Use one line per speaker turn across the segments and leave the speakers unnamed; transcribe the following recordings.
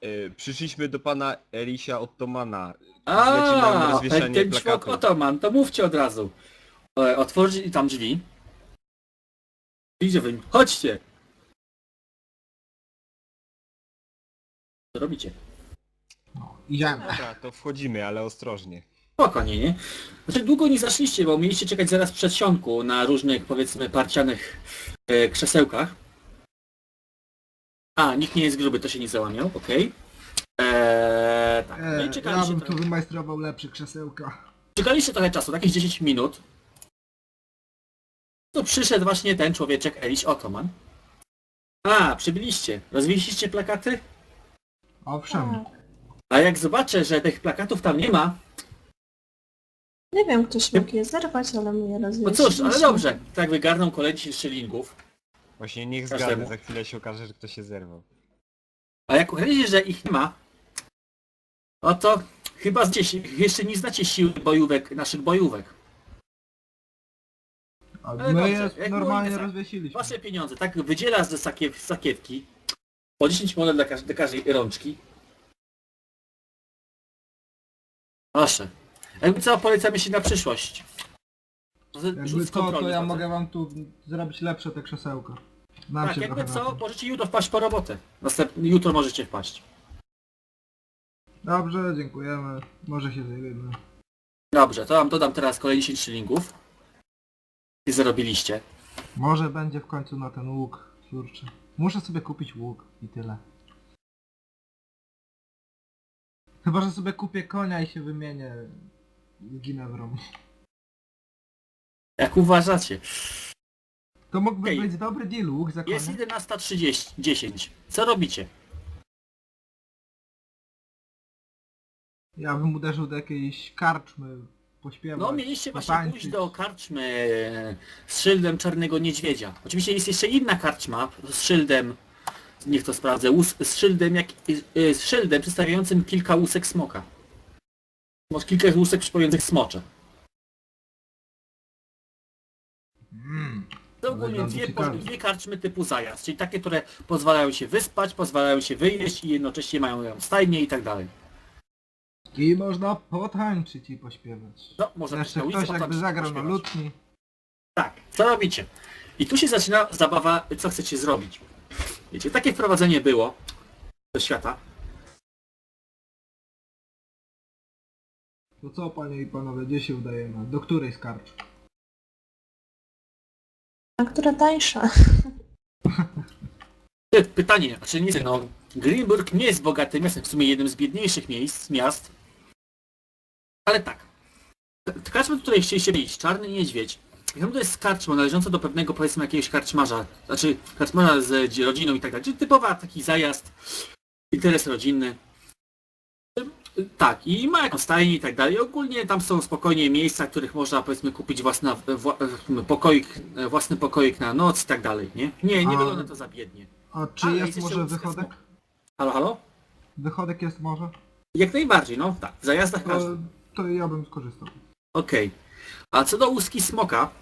Przyszliśmy do pana Elisia Ottomana. Zlecimy nam rozwieszenie
ten człok
plakatu.
Otoman, to mówcie od razu. Otworzyć tam drzwi. Idzie wy. Chodźcie! Co robicie?
Idziemy.
Dobra, to wchodzimy, ale ostrożnie.
Spokojnie, nie? Znaczy długo nie zaszliście, bo mieliście czekać zaraz w przedsionku na różnych, powiedzmy, parcianych krzesełkach. A, nikt nie jest gruby, to się nie załamiał, okej. Tak, no i
Ja
czekaliście
bym tu
trochę.
wymajstrował lepsze krzesełka.
Czekaliście trochę czasu, jakieś 10 minut. To przyszedł właśnie ten człowieczek, Eliś Otoman. A, przybyliście. Rozwieźliście plakaty?
Owszem.
Tak.
A jak zobaczę, że tych plakatów tam nie ma,
Nie wiem, ktoś mógł je zerwać, ale my je
no
rozwiązaliśmy.
cóż, ale dobrze. Tak wygarną kolejny 10 szylingów.
Właśnie niech
Każdemu.
zgadnę, za chwilę się okaże, że ktoś się zerwał.
A jak okazuje się, że ich nie ma, no to chyba jeszcze nie znacie siły bojówek, naszych bojówek.
A
Ale
my
dobrze,
je
jak
normalnie
było,
rozwiesiliśmy.
Wasze pieniądze, tak wydziela z sakiewki. Po 10 monet dla każdej rączki. Proszę. Jakby co, polecamy się na przyszłość.
Jakby co, to ja mogę wam tu zrobić lepsze te krzesełka. Nam
Tak,
się
jakby
trochę na
co,
tym.
możecie jutro wpaść po robotę. Jutro możecie wpaść.
Dobrze, dziękujemy. Może się zajmiemy.
Dobrze, to wam dodam teraz kolejne 10 szylingów. I zarobiliście.
Może będzie w końcu na ten łuk. Kurczę. Muszę sobie kupić łuk i tyle. Chyba, że sobie kupię konia i się wymienię z Ginewrą.
Jak uważacie?
To mógłby
Okej.
być dobry deal, łuk za konia.
Jest 11:30. Co robicie?
Ja bym uderzył do jakiejś karczmy, pośpiewać,
No mieliście właśnie
potańczyć.
pójść do karczmy z szyldem Czarnego Niedźwiedzia. Oczywiście jest jeszcze inna karczma z szyldem, niech to sprawdzę, z szyldem, z szyldem przedstawiającym kilka łusek smoka. Może kilka łusek przypominających smocze. To ogólnie
Wygląda ciekawie.
dwie karczmy typu zajazd, czyli takie, które pozwalają się wyspać, pozwalają się wyjeść i jednocześnie mają stajnie i tak dalej.
I można potańczyć i pośpiewać.
No, można
Jeszcze
na ulicy
ktoś jakby
potańczyć,
zagrał na
pośpiewać.
lutni.
Tak, co robicie? I tu się zaczyna zabawa, co chcecie zrobić. Wiecie, takie wprowadzenie było do świata.
To co, panie i panowie, gdzie się udajemy? Do której z karcz?
A która tańsza?
Pytanie, znaczy nie wiem, no, Greenburg nie jest bogatym miastem, w sumie jednym z biedniejszych miast. Ale tak. Karczma, do której chcieliście iść, Czarny Niedźwiedź. To jest karczma należąca do pewnego, powiedzmy, jakiegoś karczmarza. Znaczy, karczmarza z rodziną i tak dalej. Czyli typowa taki zajazd, interes rodzinny. Tak, i ma jakąś stajnię i tak dalej. Ogólnie tam są spokojnie miejsca, w których można, powiedzmy, kupić własny pokoik na noc i tak dalej, nie? Nie
A-
wygląda to za biednie.
A czy
Ale
jest
jeszcze
może
łuska
wychodek?
smoka. Halo, halo?
Wychodek jest może?
Jak najbardziej, no tak, w zajazdach
To,
każdy.
to ja bym skorzystał.
Okej. A co do łuski smoka,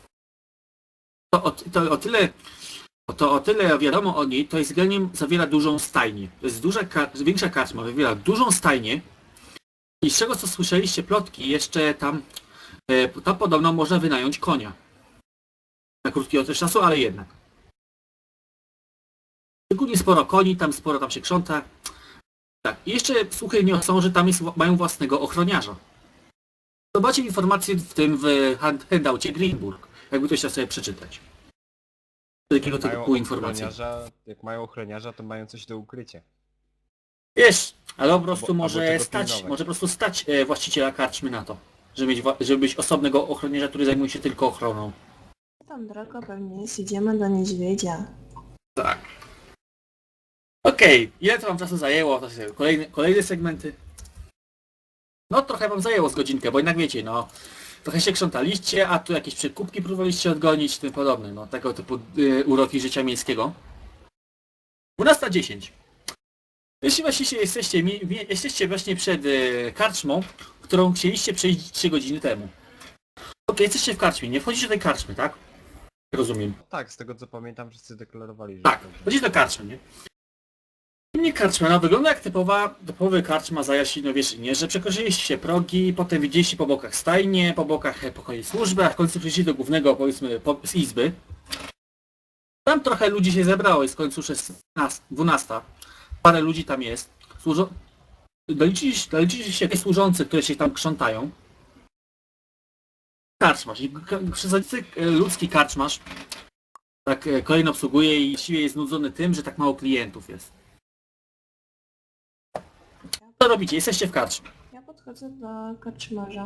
to o tyle wiadomo o niej, to jest generalnie zawiera dużą stajnię. To jest większa karczma, zawiera dużą stajnię i z czego co słyszeliście plotki, jeszcze tam podobno można wynająć konia. Na krótki okres czasu, ale jednak. Szczególnie sporo koni, sporo tam się krząta. Tak, i jeszcze słuchy niosą, że tam mają własnego ochroniarza. Zobaczcie informacje w handoucie Greenburg, jakby ktoś chciał sobie przeczytać. Takiego typu informacji.
Jak mają ochroniarza, to mają coś do ukrycia.
Wiesz, ale po prostu
Albo
może
czego
stać,
pilnować.
może po prostu stać właściciela karczmy na to, żeby mieć osobnego ochroniarza, który zajmuje się tylko ochroną.
Tam droga pewnie jest, idziemy do niedźwiedzia.
Tak. Okej, ile to wam czasu zajęło? To są kolejne segmenty. No trochę wam zajęło z godzinkę, bo jednak wiecie, no trochę się krzątaliście, a tu jakieś przekupki próbowaliście odgonić, tym podobne, no tego typu uroki życia miejskiego. 12:10. Jeśli właściwie jesteście właśnie przed karczmą, którą chcieliście przejść 3 godziny temu. Okej, jesteście w karczmie, nie wchodzicie do tej karczmy, tak? Rozumiem.
Tak, z tego co pamiętam, wszyscy deklarowali, że...
Tak, chodzicie do karczmy, nie? I Nie karczma, no wygląda jak typowy karczma za Jasinowieszynie, że przekroczyliście progi, potem widzieliście po bokach stajnie, po bokach pokoje służby, a w końcu przyszliście do głównego, powiedzmy, z izby. Tam trochę ludzi się zebrało, jest w końcu 12. Parę ludzi tam jest. Doliczyliście się służących, które się tam krzątają. Karczmasz. I przezornicy ludzki karczmasz tak kolejno obsługuje i właściwie jest znudzony tym, że tak mało klientów jest. Co robicie? Jesteście w karczmie.
Ja podchodzę do karczmarza.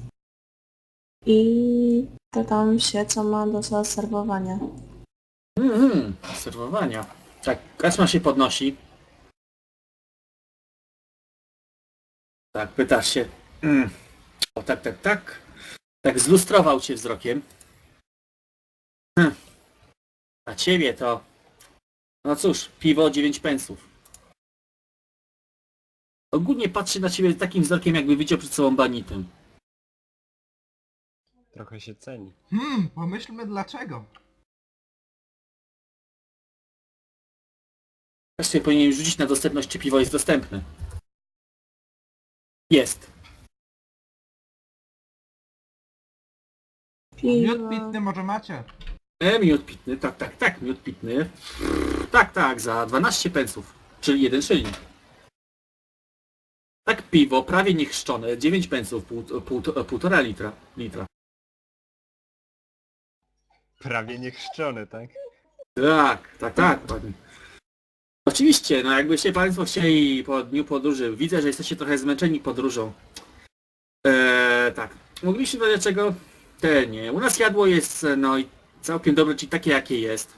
I pytam się, co ma do zaserwowania.
Serwowania. Tak, karczma się podnosi. Tak, pytasz się. O, tak. Tak zlustrował cię wzrokiem. A ciebie to... No cóż, piwo 9 pensów. Ogólnie patrzy na ciebie takim wzrokiem, jakby widział przed sobą banitę.
Trochę się ceni.
Pomyślmy dlaczego.
Właściwie powinien rzucić na dostępność, czy piwo jest dostępne. Jest.
Miód
Piwo.
pitny może macie?
Miód pitny, tak, miód pitny. Tak, za 12 pensów, czyli 1 szyling. Tak, piwo, prawie niechrzczone, 9 pensów, 1,5 litra.
Prawie niechrzczony, tak?
Tak, panie. Oczywiście, no jakbyście państwo chcieli po dniu podróży, widzę, że jesteście trochę zmęczeni podróżą. Tak, mogliście do czego? Nie. U nas jadło jest, no i całkiem dobre, czyli takie jakie jest.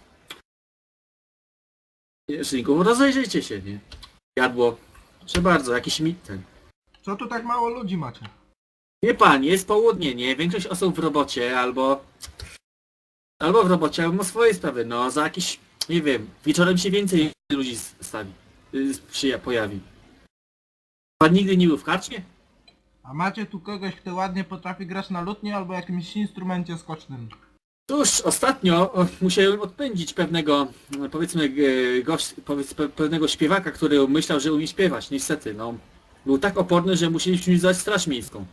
Szynku, rozejrzyjcie się, nie? Jadło, proszę bardzo, jakiś ten.
Co tu tak mało ludzi macie?
Nie pan, jest południe, nie? Większość osób w robocie, albo w robocie, albo ma swoje sprawy, no za jakiś, nie wiem, wieczorem się więcej ludzi pojawi. Pan nigdy nie był w karczmie?
A macie tu kogoś, kto ładnie potrafi grać na lutni albo jakimś instrumencie skocznym?
Cóż, ostatnio musiałem odpędzić pewnego, powiedzmy, pewnego śpiewaka, który myślał, że umie śpiewać, niestety, no. Był tak oporny, że musieliśmy wzywać straż miejską.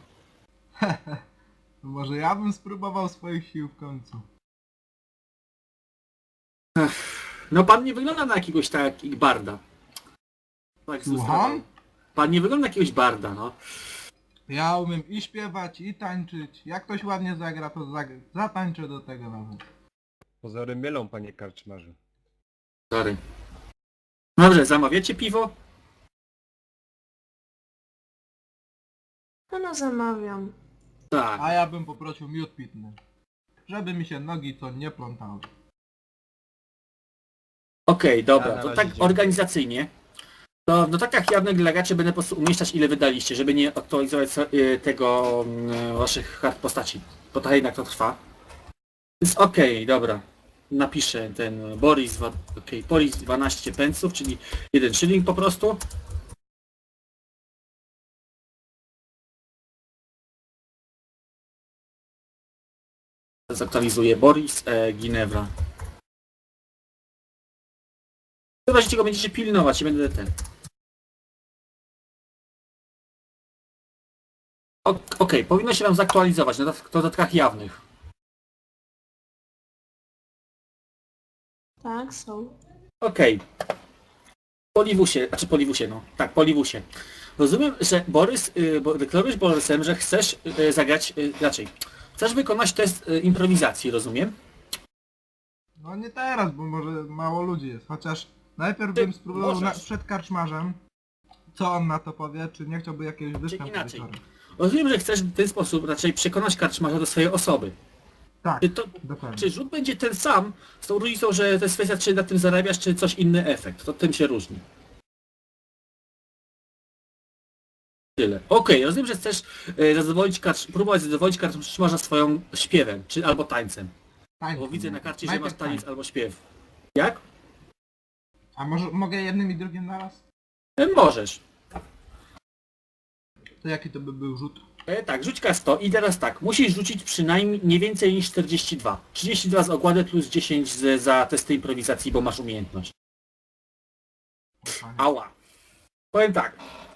Może ja bym spróbował swoich sił w końcu.
No pan nie wygląda na jakiegoś takiego barda. Tak,
Słucham?
Pan nie wygląda na jakiegoś barda, no.
Ja umiem i śpiewać, i tańczyć. Jak ktoś ładnie zagra, to zatańczę do tego nawet.
Pozory mylą, panie karczmarzu.
Sorry. Dobrze, zamawiacie piwo?
No zamawiam.
Tak.
A ja bym poprosił miód pitny. Żeby mi się nogi co nie plątały.
Okej, dobra,
Ja na
to
razie
tak
dziękuję.
organizacyjnie. To no tak jak jawne delegacie będę po prostu umieszczać ile wydaliście, żeby nie aktualizować tego waszych kart postaci. Bo to jednak to trwa. Więc okej, dobra. Napiszę ten Boris, Boris 12 pensów, czyli 1 szyling po prostu. Zaktualizuję Boris, Ginevra. W razie czego będziecie pilnować i będę ten. Okej, powinno się wam zaktualizować na dodatkach jawnych.
Tak, są.
Okej. Poliwusie, no. Tak, Poliwusie. Rozumiem, że Borys, deklarujesz Borysem, że chcesz zagrać, raczej. Chcesz wykonać test improwizacji, rozumiem?
No nie teraz, bo może mało ludzi jest. Chociaż najpierw bym spróbował
możesz.
przed karczmarzem. Co on na to powie? Czy nie chciałby jakiegoś występu
inaczej.
wieczorem?
Rozumiem, że chcesz w ten sposób raczej przekonać karczmarza do swojej osoby.
Tak, dokładnie.
Czy rzut będzie ten sam, z tą różnicą, że to jest kwestia, czy na tym zarabiasz, czy coś inny efekt. To tym się różni. Tyle. Okej, rozumiem, że chcesz próbować zadowolić karczmarza swoją śpiewem, czy albo tańcem.
Tańcem,
Bo widzę na
no.
karcie, że
Najpierw
masz taniec
tańcem.
albo śpiew. Jak?
A może mogę jednym i drugim naraz?
Możesz.
To jaki to by był rzut?
Tak, rzuć K100 i teraz tak, musisz rzucić przynajmniej nie więcej niż 42. 32 z okłady plus 10 za testy improwizacji, bo masz umiejętność.
Panie.
Ała. Powiem tak.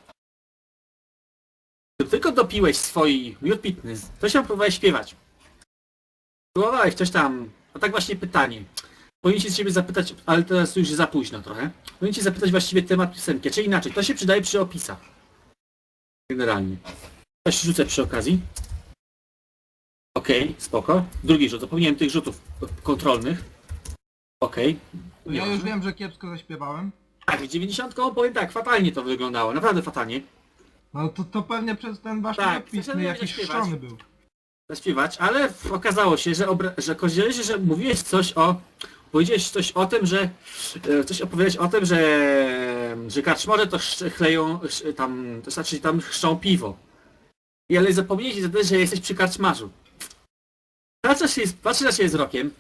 Gdy tylko dopiłeś swój miód pitny, to się próbowałeś śpiewać. Próbowałeś coś tam. A tak właśnie pytanie. Powinien się z ciebie zapytać, ale teraz już za późno trochę. Powinien cię zapytać właściwie temat piosenki, czy inaczej. To się przydaje przy opisach. Generalnie. Coś rzucę przy okazji. Okej, spoko. Drugi rzut. Zapomniałem tych rzutów kontrolnych. Okej.
To ja już wiem, że kiepsko zaśpiewałem.
Tak, 90 powiem tak, fatalnie to wyglądało. Naprawdę fatalnie.
No to pewnie przez ten wasz
Tak,
napis,
zaczynałem
jakiś
zaśpiewać.
szczony był.
Zaśpiewać, ale okazało się, że kozielecie, że mówiłeś coś o... Powiedziałeś coś o tym, że... Coś opowiadałeś o tym, że karczmarze to chleją tam... To znaczy tam chrzczą piwo. I ale zapomniałeś wtedy, że jesteś przy karczmarzu. Patrzy na siebie wzrokiem.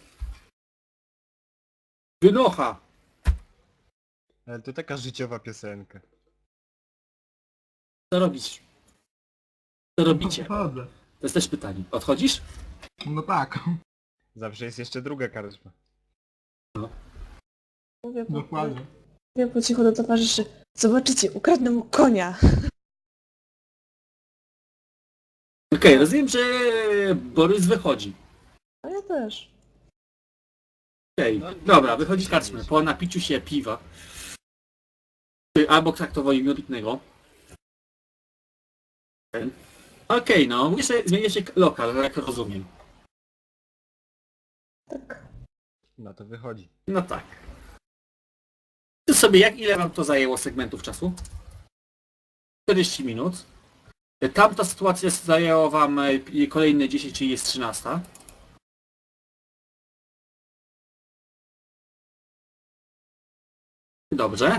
Wynocha!
Ale to taka życiowa piosenka.
Co robisz? Co robicie?
Chodzę.
To jest też pytanie. Odchodzisz?
No tak,
Zawsze jest jeszcze druga karczma.
dokładnie.
Mówię po cichu do towarzyszy. Zobaczycie, ukradnę mu konia.
Okej, rozumiem, że Borys wychodzi.
A ja też.
Okej, dobra, wychodzi z karczmy po napiciu się piwa. Albo traktowo miodu pitnego. Okej, no, mówię, że zmienia się lokal, jak rozumiem.
Tak.
No to wychodzi.
No tak. To sobie, ile wam to zajęło segmentów czasu? 40 minut. Tamta sytuacja zajęła wam kolejne 10, czyli jest 13. Dobrze.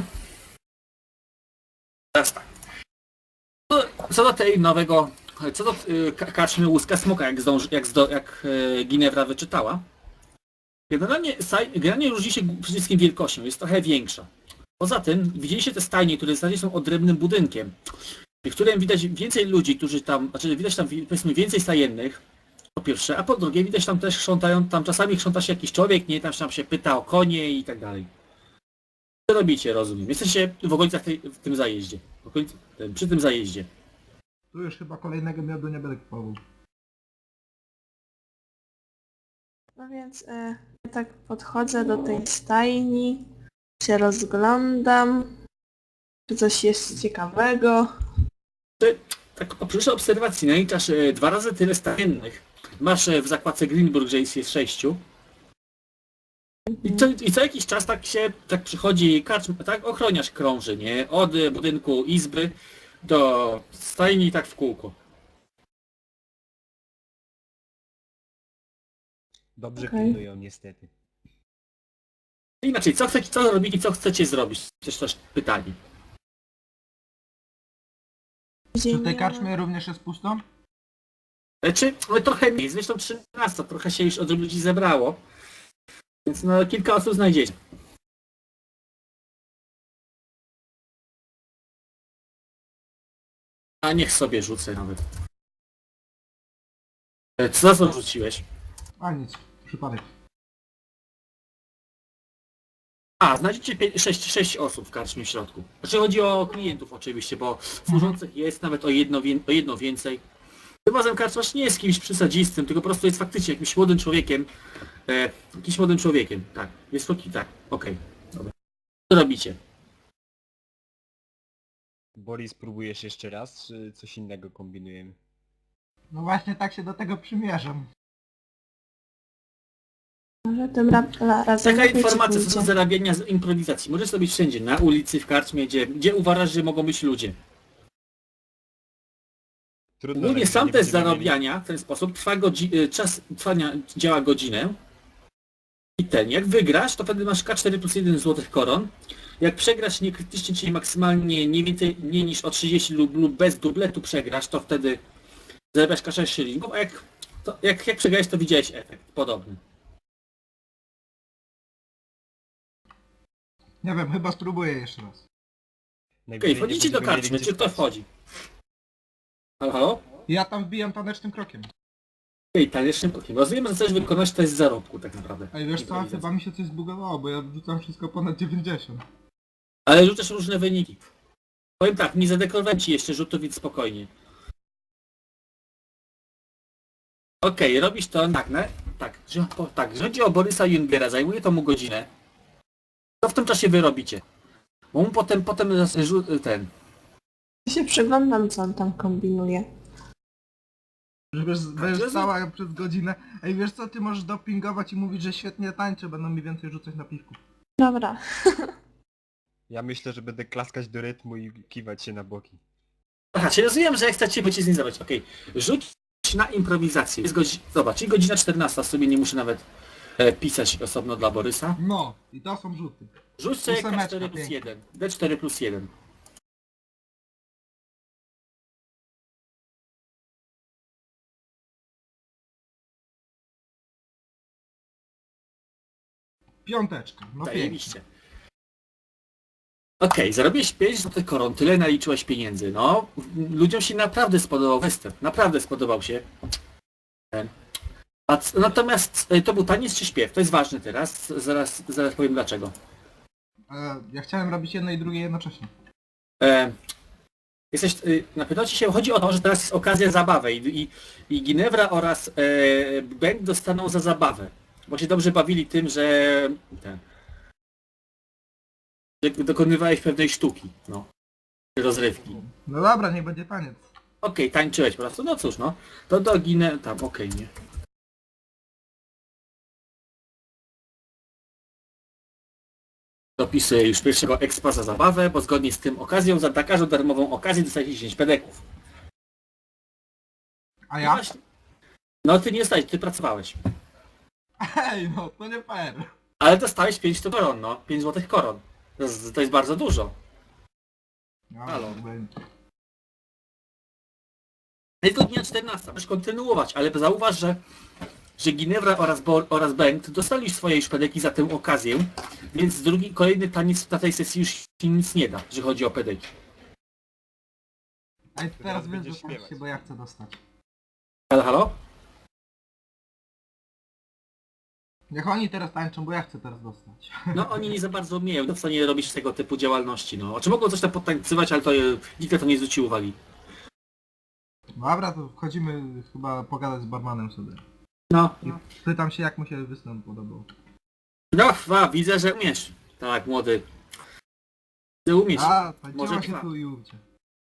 Teraz tak. Co do tej nowego... Co do karczmy Łuska Smoka, jak Ginevra wyczytała. Generalnie różni się przede wszystkim wielkością, jest trochę większa. Poza tym widzieliście te stajnie, które w zasadzie są odrębnym budynkiem, w którym widać więcej ludzi, którzy tam, znaczy widać tam powiedzmy więcej stajennych, po pierwsze, a po drugie widać tam też tam czasami chrząta się jakiś człowiek, nie, tam się pyta o konie i tak dalej. Co robicie, rozumiem? Jesteście w okolicach w tym zajeździe, przy tym zajeździe.
Tu już chyba kolejnego miodu nie będę kupował.
No więc ja tak podchodzę do tej stajni, się rozglądam, czy coś jest ciekawego.
Tak przy obserwacji naliczasz 2 razy tyle stajennych. Masz w zakładce Greenburg, że jest 6. I co jakiś czas tak przychodzi karczma, tak ochroniarz krąży, nie? Od budynku izby do stajni tak w kółko.
Dobrze
Okej.
pilnują niestety.
Inaczej, co robić i co chcecie zrobić? Też pytanie.
Czy w tej karczmie również jest pusto?
No trochę mniej, zresztą 13, trochę się już od ludzi zebrało. Więc no kilka osób znajdziecie. A niech sobie rzucę nawet. Co rzuciłeś?
A nic, przypadek.
A, znajdziecie 6 osób w karczmie w środku. Znaczy chodzi o klientów oczywiście, bo służących jest nawet o jedno więcej. Tym razem karczmarz nie jest kimś przesadzistym, tylko po prostu jest faktycznie jakimś młodym człowiekiem. Jakimś młodym człowiekiem, tak. Jest tak, okej. Dobra. Co robicie?
Boris, próbujesz jeszcze raz, czy coś innego kombinujemy?
No właśnie tak się do tego przymierzam.
Może tym razem
Taka
lepiej ci
informacja co do
pójdzie.
zarabiania z improwizacji. Możesz robić wszędzie, na ulicy, w karczmie, gdzie uważasz, że mogą być ludzie.
Trudno,
Ogólnie
że
sam
nie
test
będziemy mieli-
zarabiania w ten sposób czas trwania działa godzinę. I jak wygrasz, to wtedy masz K4 plus 1 złotych koron. Jak przegrasz niekrytycznie, czyli maksymalnie nie niż o 30 lub bez dubletu przegrasz, to wtedy zarabiasz K6 szylingów, a jak przegrałeś, to widziałeś efekt podobny.
Nie wiem, chyba spróbuję jeszcze raz.
Najwyżej
Okej,
nie
wchodzicie do
będziemy mieli
karczmy,
gdzie
czy kto
spać.
wchodzi? Halo, halo?
Ja tam wbijam tanecznym krokiem.
Okej, tanecznym krokiem. Rozumiem, że chcesz wykonać test zarobku tak naprawdę.
Ej, wiesz co,
Improwizacji.
chyba mi się coś zbugowało, bo ja wrzucam wszystko ponad 90.
Ale rzucasz różne wyniki. Powiem tak, nie zadeklarowałem ci jeszcze rzutów, więc spokojnie. Okej, robisz to nagle. Tak, chodzi o Borysa Jungera, zajmuje to mu godzinę. Co w tym czasie wy robicie? Bo mu potem ten...
Ja się przyglądam, co on tam kombinuje.
Będziesz stała przez godzinę. Ej, wiesz co, ty możesz dopingować i mówić, że świetnie tańczę, będą mi więcej rzucać na piwku.
Dobra.
Ja myślę, że będę klaskać do rytmu i kiwać się na boki.
Aha, czyli rozumiem, że jak chcecie wyciskać. Okej. Rzuć na improwizację. Jest zobacz, czyli godzina 14, sobie nie muszę nawet pisać osobno dla Borysa.
No, i to są rzuty.
Rzuć sobie
Ósemeczka,
K4 plus
pięknie.
1. D4 plus 1.
Piąteczka, no pięknie.
Zajebiście. Okej, zarobiłeś 5 złotych koron, tyle naliczyłeś pieniędzy. No, ludziom się naprawdę spodobał western. Naprawdę spodobał się. Natomiast to był taniec czy śpiew? To jest ważne teraz. Zaraz powiem dlaczego.
Ja chciałem robić jedno i drugie jednocześnie.
Napytał ci się, chodzi o to, że teraz jest okazja zabawy i Ginewra oraz Bęk dostaną za zabawę. Bo się dobrze bawili tym, że dokonywałeś pewnej sztuki, no. Rozrywki.
No dobra, niech będzie taniec.
Okej, tańczyłeś po prostu, no cóż, no. To do tam, okej, nie. Dopisuję już pierwszego expa za zabawę, bo zgodnie z tym okazją za każdą darmową okazję dostajesz 10 pedeków.
A ja?
No ty nie dostałeś, ty pracowałeś.
Ej, no to nie fair.
Ale dostałeś 5 koron, no. 5 złotych koron. To jest bardzo dużo.
No,
Halo.
jakby-
Jest godzina 14, możesz kontynuować, ale zauważ, że Ginewra oraz Bengt dostali swoje już pedeki za tę okazję, więc kolejny taniec na tej sesji już się nic nie da, jeżeli chodzi o pedeki.
Ej, teraz
Teraz
wy
będziesz
dostańcie,
śpiewać.
bo ja chcę dostać.
Halo, halo?
Niech oni teraz tańczą, bo ja chcę teraz dostać.
No oni nie za bardzo umieją, to w stanie robić tego typu działalności, no. Czy mogą coś tam podtańcywać, ale to nikt na to nie zwrócił uwagi.
Dobra, to wchodzimy chyba pogadać z barmanem sobie.
No.
Pytam się, jak mu się występ podobał.
No, widzę, że umiesz. Tak, młody. Ty umiesz.
A,
Może
tańczyła się
dwa.
tu i ówcie.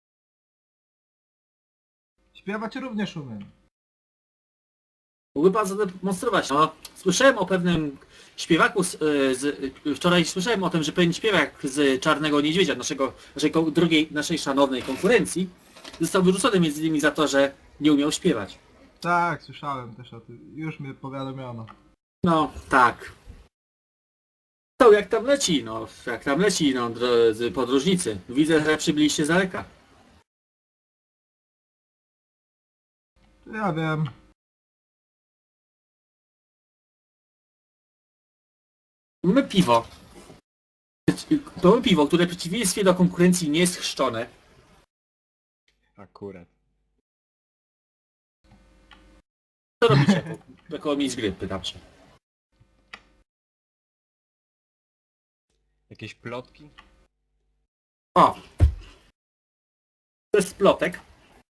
Śpiewać również umiem.
Mógłby pan zademonstrować. No, słyszałem o pewnym śpiewaku wczoraj słyszałem o tym, że pewien śpiewak z Czarnego Niedźwiedzia, naszej szanownej konkurencji, został wyrzucony między innymi za to, że nie umiał śpiewać.
Tak, słyszałem też o tym. Już mnie powiadomiono.
No, tak. To jak tam leci, drodzy podróżnicy. Widzę, że przybyliście z daleka.
Ja wiem.
Mamy piwo. To mamy piwo, które w przeciwieństwie do konkurencji nie jest chrzczone.
Akurat.
Co robicie? Jako miejsc gry, pytam się.
Jakieś plotki?
O! To jest plotek.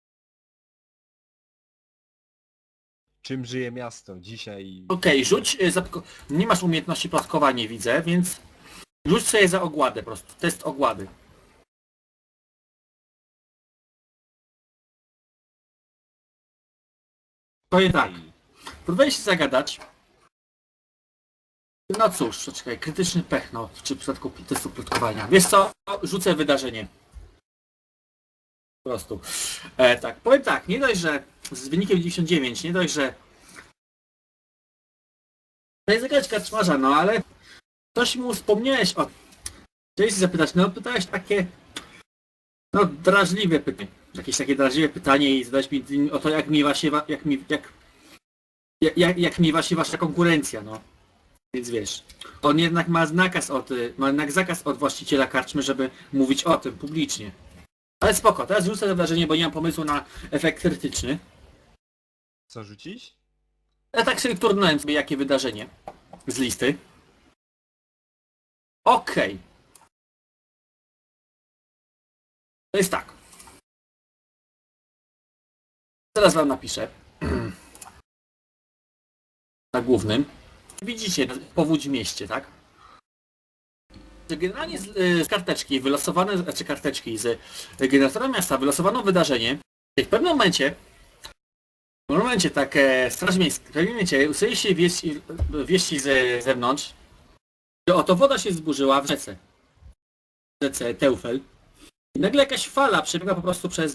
Czym żyje miasto dzisiaj?
Okej, rzuć... Nie masz umiejętności plotkowania, widzę, więc... Rzuć sobie za ogładę po prostu. Test ogłady. Powiem tak. Próbuję się zagadać. No cóż, poczekaj, krytyczny pech, no, czy w przypadku testu plotkowania. Wiesz co? Rzucę wydarzenie. Po prostu. Tak, powiem tak, nie dość, że z wynikiem 99, nie dość, że... To jest jakaś kaczmarza, no ale... Coś mu wspomniałeś o... Chciałeś się zapytać, no pytałeś takie... No, drażliwe pytanie. Jakieś takie drażliwe pytanie i zadać mi o to, jak miewa się... Jak miewa się wasza konkurencja, no. Więc wiesz, on jednak ma zakaz od właściciela karczmy, żeby mówić o tym publicznie. Ale spoko, teraz rzucę to wydarzenie, bo nie mam pomysłu na efekt krytyczny.
Co rzucić?
Ja tak sobie turnąłem sobie jakie wydarzenie z listy. Okej. To jest tak. Teraz wam napiszę. Na głównym. Widzicie powódź w mieście, tak? Generalnie z karteczki wylosowane, znaczy karteczki z generatora miasta wylosowano wydarzenie. I w pewnym momencie tak Straż Miejska, w pewnym momencie usłyszy się wieści z zewnątrz, że oto woda się zburzyła w rzece Teufel. I nagle jakaś fala przebiegła po prostu przez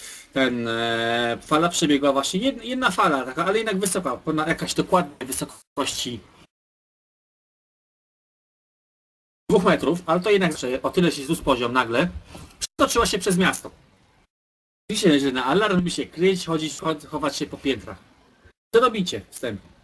fala przebiegła właśnie, jedna fala, taka, ale jednak wysoka, ponad jakaś dokładnej wysokości 2 metrów, ale to jednak o tyle się wzrósł poziom nagle, przetoczyła się przez miasto. Oczywiście, że na alarm by się kryć, chodzić, chować się po piętrach. Co robicie wstępnie?